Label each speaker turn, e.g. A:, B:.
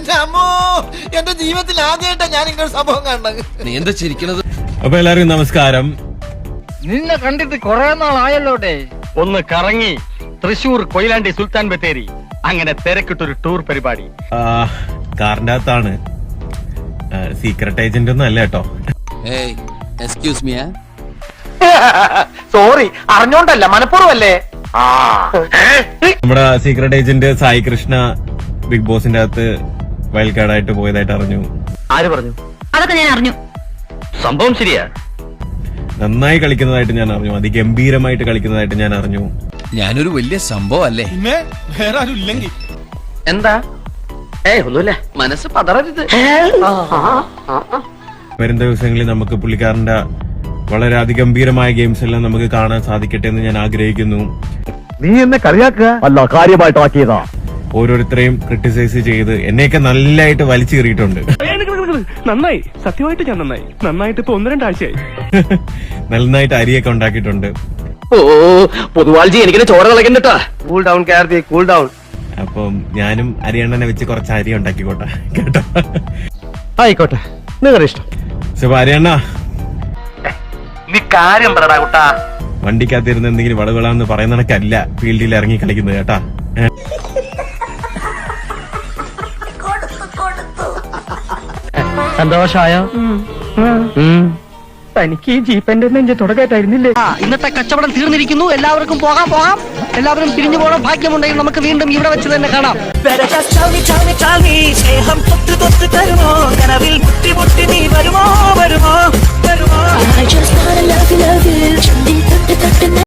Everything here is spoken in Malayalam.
A: എന്റെ അമ്മോ, എന്റെ ജീവിതത്തിൽ ആദ്യമായിട്ടാ ഞാൻ ഇങ്ങനെ സംഭവം കണ്ടത്.
B: നീ എന്താ ചിരിക്കണത്?
C: അപ്പൊ എല്ലാവർക്കും നമസ്കാരം.
D: നിന്നെ കണ്ടിട്ട് കൊറേ നാളായല്ലോട്ടെ.
E: ഒന്ന് കറങ്ങി തൃശൂർ കൊയിലാണ്ടി സുൽത്താൻ ബത്തേരി അങ്ങനെ തിരക്കിട്ടൊരു ടൂർ പരിപാടി.
C: കാറിന്റെ അകത്താണ്. സീക്രട്ട് ഏജന്റ് ഒന്നും അല്ല കേട്ടോ.
B: ഏയ് എക്സ്ക്യൂസ് മീ.
E: സോറി, അറിഞ്ഞോണ്ടല്ല, മനഃപൂർവ്വല്ലേ.
C: നമ്മുടെ secret agent Sai Krishna big ബോസിന്റെ അകത്ത് വൈൽഡ് കാർഡായിട്ട് പോയതായിട്ട് അറിഞ്ഞു.
E: ആര് പറഞ്ഞു?
F: അതൊക്കെ ഞാൻ അറിഞ്ഞു.
E: സംഭവം ശരിയാ.
C: നന്നായി കളിക്കുന്നതായിട്ട് ഞാൻ അറിഞ്ഞു. അതിഗംഭീരമായിട്ട് കളിക്കുന്നതായിട്ട് ഞാൻ അറിഞ്ഞു.
B: ഞാനൊരു വലിയ സംഭവം അല്ലേ?
A: പിന്നെ വേറെ ആരും ഇല്ലെങ്കിൽ
E: എന്താ? ഒന്നുമില്ല, മനസ്സ് പതറരുത്.
C: വരും ദിവസങ്ങളിൽ നമുക്ക് പുള്ളിക്കാരന്റെ വളരെ അതിഗംഭീരമായ ഗെയിംസ് എല്ലാം നമുക്ക് കാണാൻ സാധിക്കട്ടെ എന്ന് ഞാൻ ആഗ്രഹിക്കുന്നു.
E: നീ എന്നെ കളിയാക്കുക അല്ല, കാര്യമായിട്ടാക്കിയതാ.
C: ഓരോരുത്തരെയും ക്രിട്ടിസൈസ് ചെയ്ത് എന്നെയൊക്കെ നല്ലതായിട്ട് വലിച്ചു കയറിയിട്ടുണ്ട്.
G: നന്നായി, സത്യമായിട്ട് ഞാൻ നന്നായിട്ട് ഇപ്പൊ 1-2 ആഴ്ചയായി.
C: നന്നായിട്ട് അരിയൊക്കെ ഉണ്ടാക്കിയിട്ടുണ്ട്.
E: ഓ പൊതുവാൾജി, എനിക്കിനെ ചോര കളക്കണ്ടട്ടാ. Cool down Karthi, cool down.
C: അപ്പം ഞാനും അരിയണ്ണനെ വെച്ച് കുറച്ച് അരി ഉണ്ടാക്കിക്കോട്ടെ കേട്ടോ.
E: ആയിക്കോട്ടെ, നിങ്ങളുടെ ഇഷ്ടം.
C: സോ അരിയണ്ണ,
E: നീ കാര്യം പറടാ കുട്ടാ.
C: വണ്ടിക്കകത്തിരുന്ന് എന്തെങ്കിലും വളവിളാന്ന് പറയുന്ന കണക്കല്ല ഫീൽഡിൽ ഇറങ്ങി കളിക്കുന്നത് കേട്ടാ.
E: സന്തോഷായോ?
G: തനിക്ക് ഈ ജീപ്പന്റെ നെഞ്ച് തുടക്കത്തായിരുന്നില്ലേ?
D: ഇന്നത്തെ കച്ചവടം തീർന്നിരിക്കുന്നു. എല്ലാവർക്കും പോകാം. എല്ലാവരും പിരിഞ്ഞു പോകണം. ഭാഗ്യമുണ്ടെങ്കിൽ നമുക്ക് വീണ്ടും ഇവിടെ വെച്ച് തന്നെ കാണാം.
H: സ്നേഹം തൊട്ട് തൊട്ട് തരുമോ കനവിൽ മുട്ടി മുട്ടി